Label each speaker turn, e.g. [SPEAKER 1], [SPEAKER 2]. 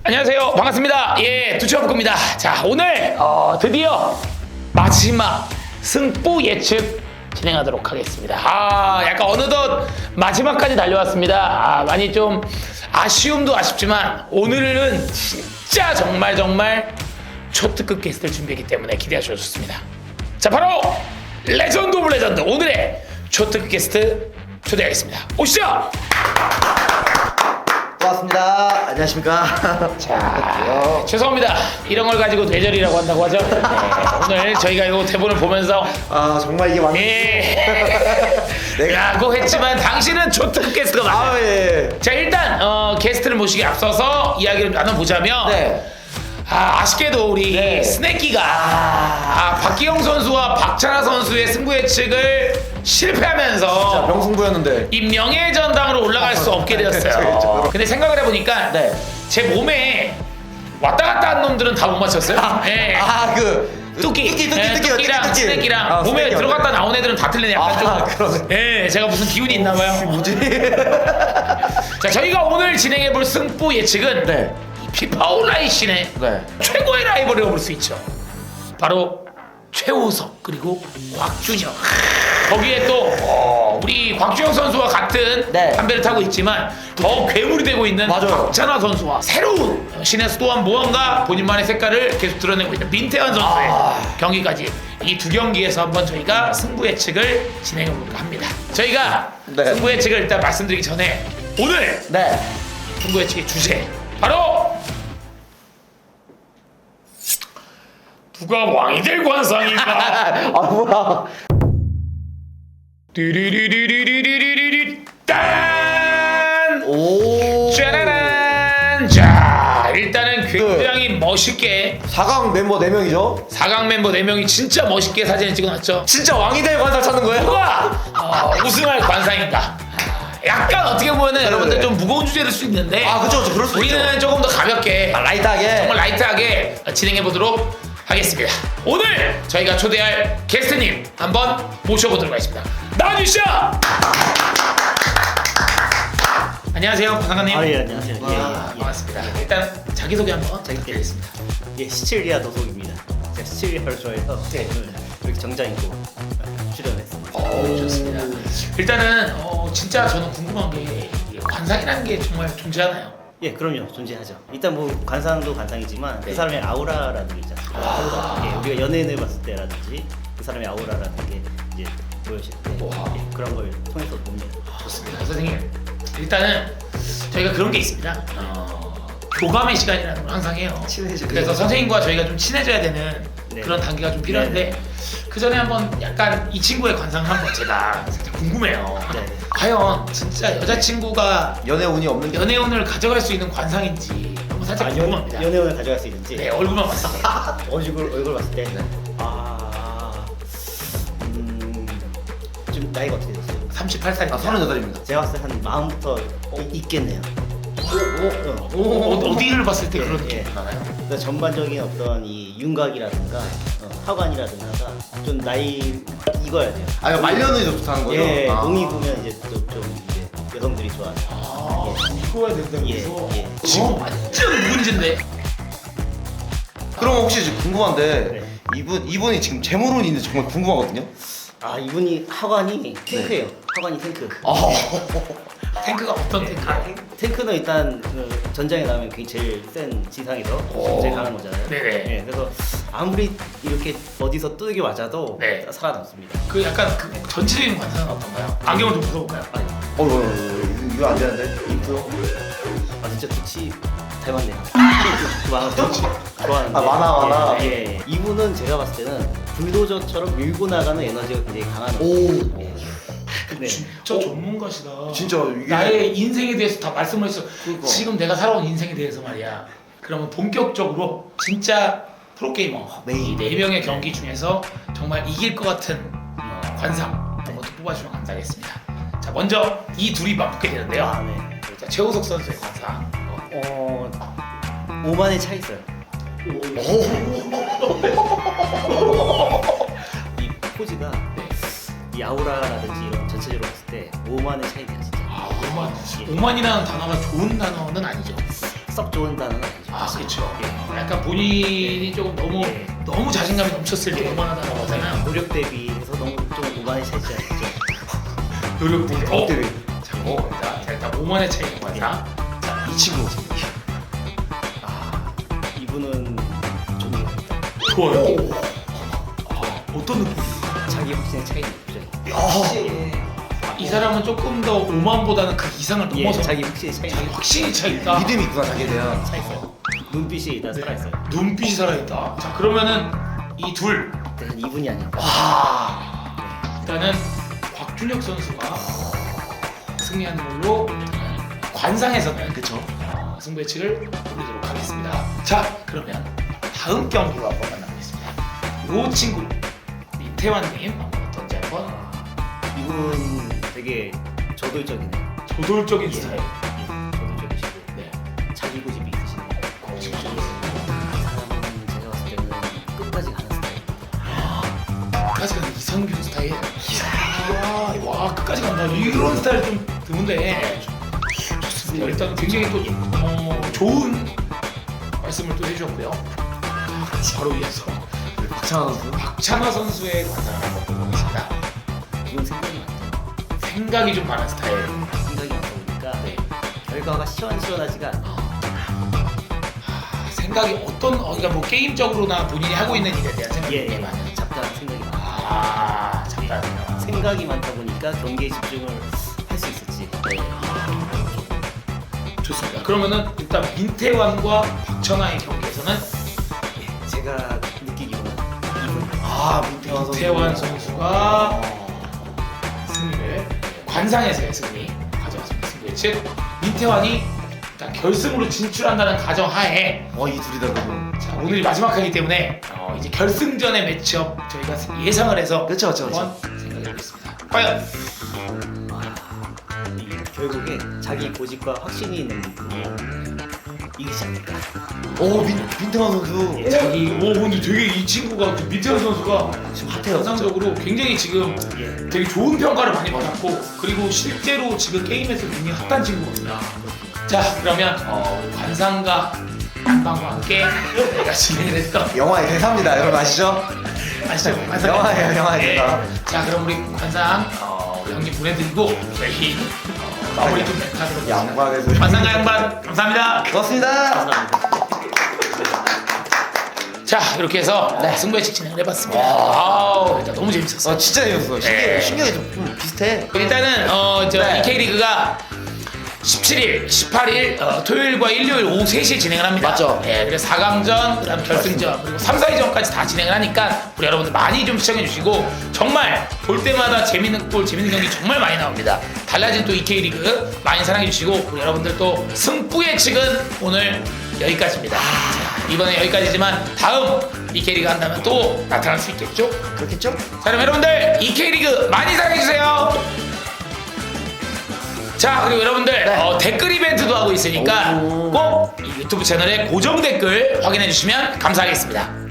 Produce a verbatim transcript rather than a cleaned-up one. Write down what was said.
[SPEAKER 1] 안녕하세요. 반갑습니다. 예, 두치와프입니다. 자, 오늘 어, 드디어 마지막 승부 예측 진행하도록 하겠습니다. 아, 약간 어느덧 마지막까지 달려왔습니다. 아, 많이 좀 아쉬움도 아쉽지만 오늘은 진짜 정말 정말 초특급 게스트를 준비했기 때문에 기대하셔도 좋습니다. 자, 바로 레전드 오브 레전드 오늘의 초특급 게스트 초대하겠습니다. 오시죠.
[SPEAKER 2] 반갑습니다. 안녕하십니까.
[SPEAKER 1] 자, 죄송합니다. 이런 걸 가지고 뇌절이라고 한다고 하죠. 네, 오늘 저희가 이 대본을 보면서
[SPEAKER 2] 아 정말 이게 완전
[SPEAKER 1] 예, 라고 했지만 당신은 초특급 게스트가 맞아요.
[SPEAKER 2] 아 예.
[SPEAKER 1] 자, 일단 어, 게스트를 모시기 앞서서 이야기를 나눠보자면
[SPEAKER 2] 네.
[SPEAKER 1] 아, 아쉽게도 우리
[SPEAKER 2] 네.
[SPEAKER 1] 스네키가 아, 박기영 선수와 박찬하 선수의 승부 예측을 실패하면서
[SPEAKER 2] 명승부였는데.
[SPEAKER 1] 이 명예전당으로 올라갈 수 없게 되었어요.
[SPEAKER 2] 그렇죠.
[SPEAKER 1] 근데 생각을 해보니까
[SPEAKER 2] 네.
[SPEAKER 1] 제 몸에 왔다 갔다 한 놈들은 다 못 맞췄어요. 예.
[SPEAKER 2] 아그
[SPEAKER 1] 뚜끼,
[SPEAKER 2] 뚜끼 뚜끼
[SPEAKER 1] 예,
[SPEAKER 2] 뚜끼
[SPEAKER 1] 뚜끼랑
[SPEAKER 2] 뚜끼.
[SPEAKER 1] 스네키랑
[SPEAKER 2] 아,
[SPEAKER 1] 몸에
[SPEAKER 2] 스네키
[SPEAKER 1] 들어갔다
[SPEAKER 2] 맞네.
[SPEAKER 1] 나온 애들은 다 틀리네. 약간
[SPEAKER 2] 아,
[SPEAKER 1] 좀.
[SPEAKER 2] 그러네.
[SPEAKER 1] 예, 제가 무슨 기운이 있나봐요.
[SPEAKER 2] 뭐지?
[SPEAKER 1] 자, 저희가 오늘 진행해볼 승부 예측은
[SPEAKER 2] 네.
[SPEAKER 1] 피파 온라인 씬의
[SPEAKER 2] 네.
[SPEAKER 1] 최고의 라이벌이라고 볼 수 있죠. 바로 최우석 그리고 곽준혁. 거기에 또 어, 우리 곽준혁 선수와 같은
[SPEAKER 2] 네.
[SPEAKER 1] 한 배를 타고 있지만 더 괴물이 되고 있는
[SPEAKER 2] 맞아요.
[SPEAKER 1] 박찬하 선수와 새로운 신에서 또한 무언가 본인만의 색깔을 계속 드러내고 있는 민태현 선수의
[SPEAKER 2] 아.
[SPEAKER 1] 경기까지 이 두 경기에서 한번 저희가 승부 예측을 진행해볼까 합니다. 저희가
[SPEAKER 2] 네.
[SPEAKER 1] 승부 예측을 일단 말씀드리기 전에 오늘
[SPEAKER 2] 네.
[SPEAKER 1] 승부 예측의 주제 바로 누가 왕이 될 관상인가?
[SPEAKER 2] 아 뭐야?
[SPEAKER 1] 띠리리리리리리리리 딴!
[SPEAKER 2] 오.
[SPEAKER 1] 짜라란! 자, 일단은 굉장히 멋있게
[SPEAKER 2] 사 강 멤버 네 명이죠?
[SPEAKER 1] 사 강 멤버 네 명이 진짜 멋있게 사진을 찍어놨죠.
[SPEAKER 2] 진짜 왕이 될 관상 찾는 거예요?
[SPEAKER 1] 누가 어, 우승할 관상인가? 약간 어떻게 보면은
[SPEAKER 2] 네,
[SPEAKER 1] 여러분들
[SPEAKER 2] 네.
[SPEAKER 1] 좀 무거운 주제일 수 있는데
[SPEAKER 2] 아 그쵸 그쵸 그럴 수 있죠.
[SPEAKER 1] 우리는 조금 더 가볍게
[SPEAKER 2] 아, 라이트하게.
[SPEAKER 1] 정말 라이트하게 진행해 보도록 하겠습니다. 오늘 저희가 초대할 게스트님 한번 모셔보도록 하겠습니다. 나와주시죠. 안녕하세요, 박상관님.
[SPEAKER 3] 아, 예, 안녕하세요.
[SPEAKER 1] 아,
[SPEAKER 3] 예, 예,
[SPEAKER 1] 반갑습니다. 일단 자기소개 한번 부탁드리겠습니다.
[SPEAKER 3] 예. 예, 시칠리아 도속입니다. 제가 시칠리아를 좋아해서
[SPEAKER 1] 네.
[SPEAKER 3] 오늘 이렇게 정장 입고 출연했습니다.
[SPEAKER 1] 오, 좋습니다. 일단은 어, 진짜 저는 궁금한 게 이 관상이라는 게 정말 존재하나요?
[SPEAKER 3] 예, 그럼요. 존재하죠. 일단 뭐 관상도 관상이지만
[SPEAKER 1] 네.
[SPEAKER 3] 그 사람의 아우라라는 게 있지 않습니까?
[SPEAKER 1] 아.
[SPEAKER 3] 예, 우리가 연예인을 봤을 때라든지 그 사람의 아우라라는 게 이제 보여질 때
[SPEAKER 1] 와.
[SPEAKER 3] 예, 그런 걸 통해서 봅니다.
[SPEAKER 1] 좋습니다. 선생님, 일단은 저희가 그런 게 있습니다. 어, 교감의 시간이라는 걸 항상 해요.
[SPEAKER 2] 친해지고.
[SPEAKER 1] 그래서 선생님과 저희가 좀 친해져야 되는
[SPEAKER 3] 네.
[SPEAKER 1] 그런 단계가 좀 필요한데 그 전에 한번 약간 이 친구의 관상을 한번 제가 살짝 궁금해요.
[SPEAKER 3] 네.
[SPEAKER 1] 과연 진짜 여자친구가
[SPEAKER 2] 연애 운이 없는 게.
[SPEAKER 1] 연애운을 가져갈 수 있는 관상인지 한번 살짝
[SPEAKER 3] 아, 연,
[SPEAKER 1] 궁금합니다.
[SPEAKER 3] 연애운을 가져갈 수 있는지
[SPEAKER 1] 네, 얼굴만 봤을 때.
[SPEAKER 3] 얼굴 얼굴 봤을 때
[SPEAKER 1] 네.
[SPEAKER 3] 아, 음, 좀 나이가 어떻게 되세요?
[SPEAKER 1] 삼십팔 살입니다.
[SPEAKER 2] 아 서른여덟입니다.
[SPEAKER 3] 제가 봤을 때 한 마음부터 있겠네요. 어,
[SPEAKER 1] 오, 어, 어디를 봤을 때
[SPEAKER 3] 예,
[SPEAKER 1] 그런
[SPEAKER 3] 예.
[SPEAKER 1] 느낌이 나나요?
[SPEAKER 3] 그러니까 전반적인 어떤 이 윤곽이라든가 어, 하관이라든가가 좀 나이 익어야 돼요.
[SPEAKER 2] 아 이거 말년운이 좋다는 거죠?
[SPEAKER 3] 예,
[SPEAKER 2] 아.
[SPEAKER 3] 농이 보면 이제 또 좀 이제 여성들이 좋아하죠.
[SPEAKER 1] 아, 이거야 된다고
[SPEAKER 3] 예,
[SPEAKER 1] 해서
[SPEAKER 3] 예.
[SPEAKER 1] 지금 완전 문제인데.
[SPEAKER 2] 그럼 혹시 지금 궁금한데
[SPEAKER 3] 네.
[SPEAKER 2] 이분 이분이 지금 재물운이 있는지 정말 궁금하거든요.
[SPEAKER 3] 아 이분이 하관이 탱크예요. 하관이 탱크.
[SPEAKER 2] 아.
[SPEAKER 1] 탱크가 어떤 탱크?
[SPEAKER 3] 아, 탱크는 일단 그 전장에 나오면 그게 제일 센 지상에서
[SPEAKER 2] 오.
[SPEAKER 3] 제일 강한 거잖아요.
[SPEAKER 1] 네네.
[SPEAKER 3] 예, 그래서 아무리 이렇게 어디서 뚜들겨 맞아도
[SPEAKER 1] 네.
[SPEAKER 3] 살아남습니다.
[SPEAKER 1] 그 약간 그 전체적인 관상은 어떤가요? 안경을 좀 벗어볼까요?
[SPEAKER 3] 아니,
[SPEAKER 2] 어, 어, 어, 이거 안 되는데? 인프요?
[SPEAKER 3] 아 진짜 두치 닮았네요. 좋아하는 좋아하는데.
[SPEAKER 2] 아, 만화, 만화.
[SPEAKER 3] 예, 예, 예. 이분은 제가 봤을 때는 불도저처럼 밀고 나가는 에너지가 굉장히 강한.
[SPEAKER 2] 오.
[SPEAKER 3] 예. 네.
[SPEAKER 1] 진짜 전문가시다.
[SPEAKER 2] 진짜 이게
[SPEAKER 1] 나의 인생에 대해서 다 말씀을 했어.
[SPEAKER 2] 그러니까.
[SPEAKER 1] 지금 내가 살아온 인생에 대해서 말이야. 그러면 본격적으로 진짜 프로게이머
[SPEAKER 2] 네.
[SPEAKER 1] 이 네 명의 경기 중에서 정말 이길 것 같은 어, 관상 이런 것도 뽑아주면 감사하겠습니다. 자, 먼저 이 둘이 맞붙게 되는데요.
[SPEAKER 3] 아, 네.
[SPEAKER 1] 자, 최우석 선수의 관상.
[SPEAKER 3] 어, 오만의 차 있어요. 이 포즈가
[SPEAKER 1] 네.
[SPEAKER 3] 이 아우라라든지 이런 전체적으로 봤을 때 오만의 차이네요 진짜.
[SPEAKER 1] 아, 오만. 오만이라는 단어가 좋은 단어는 아니죠.
[SPEAKER 3] 썩 좋은 단어는 아니죠.
[SPEAKER 1] 아
[SPEAKER 3] 사실.
[SPEAKER 1] 그렇죠.
[SPEAKER 3] 예.
[SPEAKER 1] 약간 본인이 조금 너무
[SPEAKER 3] 예.
[SPEAKER 1] 너무 자신감이 넘쳤을 때 오만하다고 하잖아요.
[SPEAKER 3] 노력 대비해서 너무 좀 오만이 차이지 않죠.
[SPEAKER 1] 노력 대비. 어?
[SPEAKER 2] 대비.
[SPEAKER 1] 자, 먹어봅니다. 자, 일단 오만의 차이는 뭐야? 자, 이 친구.
[SPEAKER 3] 아, 이분은 좀
[SPEAKER 1] 좋아요. 아, 어떤 느낌?
[SPEAKER 3] 자기 확신의 차이는 있죠.
[SPEAKER 1] 아, 이 사람은 조금 더 오만보다는 그 이상을
[SPEAKER 3] 예,
[SPEAKER 1] 넘어서
[SPEAKER 3] 자기 확신의 차이는
[SPEAKER 1] 자기 확신이 차 있다.
[SPEAKER 2] 믿음이 있구나 자기에 대한.
[SPEAKER 3] 차 있어요. 눈빛이 다 살아있어요.
[SPEAKER 1] 눈빛이 살아있다. 자, 그러면은 이 둘.
[SPEAKER 3] 일단 이분이 아닐까.
[SPEAKER 1] 와. 일단은 곽준혁 선수가 승리하는 걸로 관상에서는 그쵸 어, 승부 예측을 올리도록 하겠습니다. 자, 그러면 다음 경기로 한번 만나보겠습니다. 이 친구 이태환님 한번 어떤지 한번.
[SPEAKER 3] 이분 되게 저돌적이네요.
[SPEAKER 1] 저돌적인
[SPEAKER 3] 예.
[SPEAKER 1] 스타일.
[SPEAKER 3] 예, 저돌적이시고
[SPEAKER 1] 네.
[SPEAKER 3] 자기 고집이 있으시네요.
[SPEAKER 1] 고집적인
[SPEAKER 3] 이 사람은 제가 봤을 때는 끝까지 가는 스타일.
[SPEAKER 1] 끝까지 가는 이성균 스타일. 이야, 와 끝까지 간다. 이런 스타일 좀 드문데 좋습니다. 일단 굉장히 또 어, 좋은 말씀을 또 해주셨고요. 자, 바로 이어서
[SPEAKER 2] 박찬호 선수.
[SPEAKER 1] 박찬호 선수의 관상을 한번 보겠습니다.
[SPEAKER 3] 이분 생각이 많죠.
[SPEAKER 1] 생각이 좀 많은 스타일.
[SPEAKER 3] 생각이 많다 보니까
[SPEAKER 1] 네.
[SPEAKER 3] 결과가 시원시원하지가 않아요.
[SPEAKER 1] 아, 생각이 어떤 어, 그러니까 뭐 게임적으로나 본인이 하고 있는 일에 대한 생각이
[SPEAKER 3] 예,
[SPEAKER 1] 굉장히
[SPEAKER 3] 예.
[SPEAKER 1] 많아요.
[SPEAKER 3] 잡다한 생각이 많아요.
[SPEAKER 1] 아, 잠깐만요.
[SPEAKER 3] 생각이 많다 보니까 경기에 집중을 할 수 있었지.
[SPEAKER 1] 네. 좋습니다. 그러면은 일단 민태환과 박찬하의 경기에서는
[SPEAKER 3] 예, 제가 느끼기로는 이분
[SPEAKER 2] 아 민태환 선수.
[SPEAKER 1] 민태환 선수가 승리를 관상에서의 승리 가져왔습니다. 승부 예측 민태환이 일단 결승으로 진출한다는 가정하에
[SPEAKER 2] 어이 둘이다 그러면.
[SPEAKER 1] 자, 오늘이 마지막 하기 때문에 어, 이제 결승전의 매치업 저희가 예상을 해서
[SPEAKER 2] 그쵸, 그쵸, 그쵸.
[SPEAKER 1] 한번 생각해 보겠습니다. 과연
[SPEAKER 3] 이게 결국에 자기 고집과 확신이 있는 분이 이기지 않을까.
[SPEAKER 2] 오 민 민태환 선수.
[SPEAKER 3] 예.
[SPEAKER 1] 자기 오 근데 되게 이 친구가 그 민태환 선수가
[SPEAKER 2] 지금 핫해요.
[SPEAKER 1] 전상적으로 굉장히 지금
[SPEAKER 3] 예.
[SPEAKER 1] 되게 좋은 평가를 많이 받았고 그리고 실제로 지금 게임에서 굉장히 핫한 친구거든요. 자 그러면 어, 우리 관상과 안방과 함께 저희가 진행을 했던
[SPEAKER 2] 영화의 대사입니다. 여러분 아시죠?
[SPEAKER 1] 아시죠? 관상
[SPEAKER 2] 영화예요, 영화의 대사.
[SPEAKER 1] 자 그럼 우리 관상 어, 우리 형님 보내드리고 저희 어, 마무리 좀 하도록
[SPEAKER 2] 양반에서.
[SPEAKER 1] 관상과 양반 감사합니다.
[SPEAKER 2] 고맙습니다.
[SPEAKER 3] 감사합니다.
[SPEAKER 1] 자 이렇게 해서 네, 승부 예측 진행을 해봤습니다. 아우 일단 너무 재밌었어요.
[SPEAKER 2] 아 진짜 재밌었어. 신기해.
[SPEAKER 1] 네.
[SPEAKER 2] 신기하게 좀, 좀 비슷해.
[SPEAKER 1] 일단은 어, 저
[SPEAKER 2] 네.
[SPEAKER 1] 이케이리그가 십칠일, 십팔일 어, 토요일과 일요일 오후 세 시에 진행을 합니다.
[SPEAKER 2] 맞죠.
[SPEAKER 1] 예, 그래서 사 강전, 그다음 결승전, 그리고 삼, 사위전까지 다 진행을 하니까 우리 여러분들 많이 좀 시청해 주시고 정말 볼 때마다 재밌는 골, 재밌는 경기 정말 많이 나옵니다. 달라진 또 이케이리그 많이 사랑해 주시고 우리 여러분들 또 승부 예측은 오늘 여기까지입니다. 자, 이번에 여기까지지만 다음 이케이리그 한다면 또 나타날 수 있겠죠?
[SPEAKER 2] 그렇겠죠?
[SPEAKER 1] 자 그럼 여러분들 이케이리그 많이 사랑해주세요. 자 그리고 여러분들
[SPEAKER 2] 네.
[SPEAKER 1] 어, 댓글 이벤트도 하고 있으니까
[SPEAKER 2] 오.
[SPEAKER 1] 꼭 이 유튜브 채널에 고정 댓글 확인해 주시면 감사하겠습니다.